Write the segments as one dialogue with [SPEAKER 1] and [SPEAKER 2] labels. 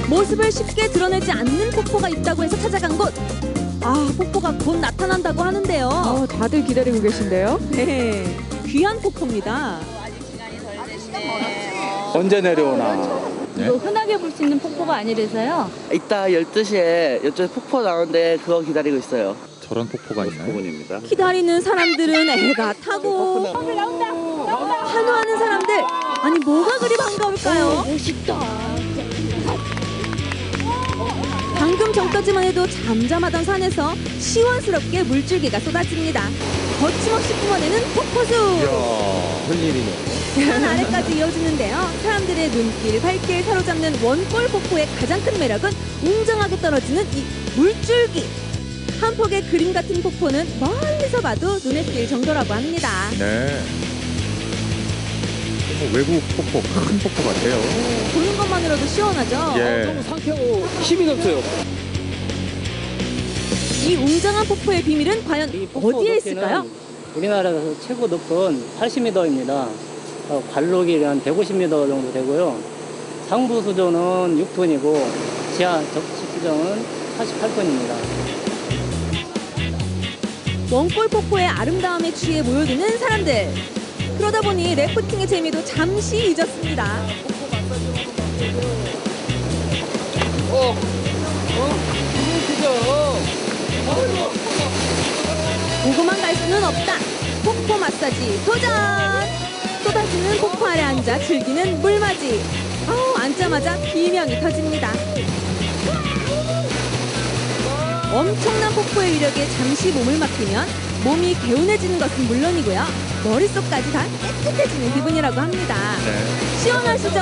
[SPEAKER 1] 모습을 쉽게 드러내지 않는 폭포가 있다고 해서 찾아간 곳. 아, 폭포가 곧 나타난다고 하는데요.
[SPEAKER 2] 다들 기다리고 계신데요?
[SPEAKER 1] 네, 귀한 폭포입니다.
[SPEAKER 3] 언제 내려오나.
[SPEAKER 4] 이거 흔하게 볼 수 있는 폭포가 아니라서요.
[SPEAKER 5] 이따 12시에 이쪽에 폭포 나오는데 그거 기다리고 있어요.
[SPEAKER 3] 저런 폭포가 있나요?
[SPEAKER 6] 부분입니다.
[SPEAKER 1] 기다리는 사람들은 애가 타고 환호하는 사람들. 아니 뭐가 그리 반가울까요?
[SPEAKER 4] 멋있다.
[SPEAKER 1] 방금 전까지만 해도 잠잠하던 산에서 시원스럽게 물줄기가 쏟아집니다. 거침없이 뿜어내는 폭포수.
[SPEAKER 6] 웬일이네.
[SPEAKER 1] 산 아래까지 이어지는데요. 사람들의 눈길, 발길 사로잡는 원골 폭포의 가장 큰 매력은 웅장하게 떨어지는 이 물줄기. 한 폭의 그림 같은 폭포는 멀리서 봐도 눈에 띌 정도라고 합니다.
[SPEAKER 3] 네. 외국 폭포, 큰 폭포 같아요.
[SPEAKER 1] 보는 것만으로도 시원하죠?
[SPEAKER 3] 예.
[SPEAKER 7] 상쾌하고 힘이 넘쳐요.
[SPEAKER 1] 이 웅장한 폭포의 비밀은 과연 어디에 있을까요?
[SPEAKER 7] 우리나라에서 최고 높은 80m입니다. 관록이 한 150m 정도 되고요. 상부 수조는 6톤이고 지하 적시 수정은 48톤입니다.
[SPEAKER 1] 원골 폭포의 아름다움에 취해 모여드는 사람들. 그러다 보니 래프팅의 재미도 잠시 잊었습니다. 보고만 갈 수는 없다. 폭포 마사지 도전! 쏟아지는 폭포 아래 앉아 즐기는 물맞이. 앉자마자 비명이 터집니다. 엄청난 폭포의 위력에 잠시 몸을 맡기면 몸이 개운해지는 것은 물론이고요. 머릿속까지 다 깨끗해지는 기분이라고 합니다.
[SPEAKER 3] 네.
[SPEAKER 1] 시원하시죠?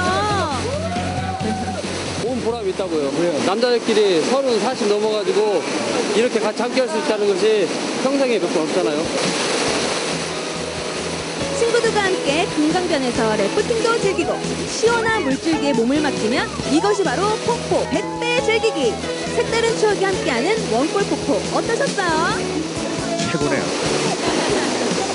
[SPEAKER 7] 온 보람이 있다고요. 남자들끼리 30, 40 넘어가지고 이렇게 같이 함께 할 수 있다는 것이 평생에 몇 번 없잖아요.
[SPEAKER 1] 친구들과 함께 금강변에서 래프팅도 즐기고 시원한 물줄기에 몸을 맡기면 이것이 바로 폭포 100배 즐기기. 색다른 추억이 함께하는 원골 폭포 어떠셨어요?
[SPEAKER 3] 최고네요.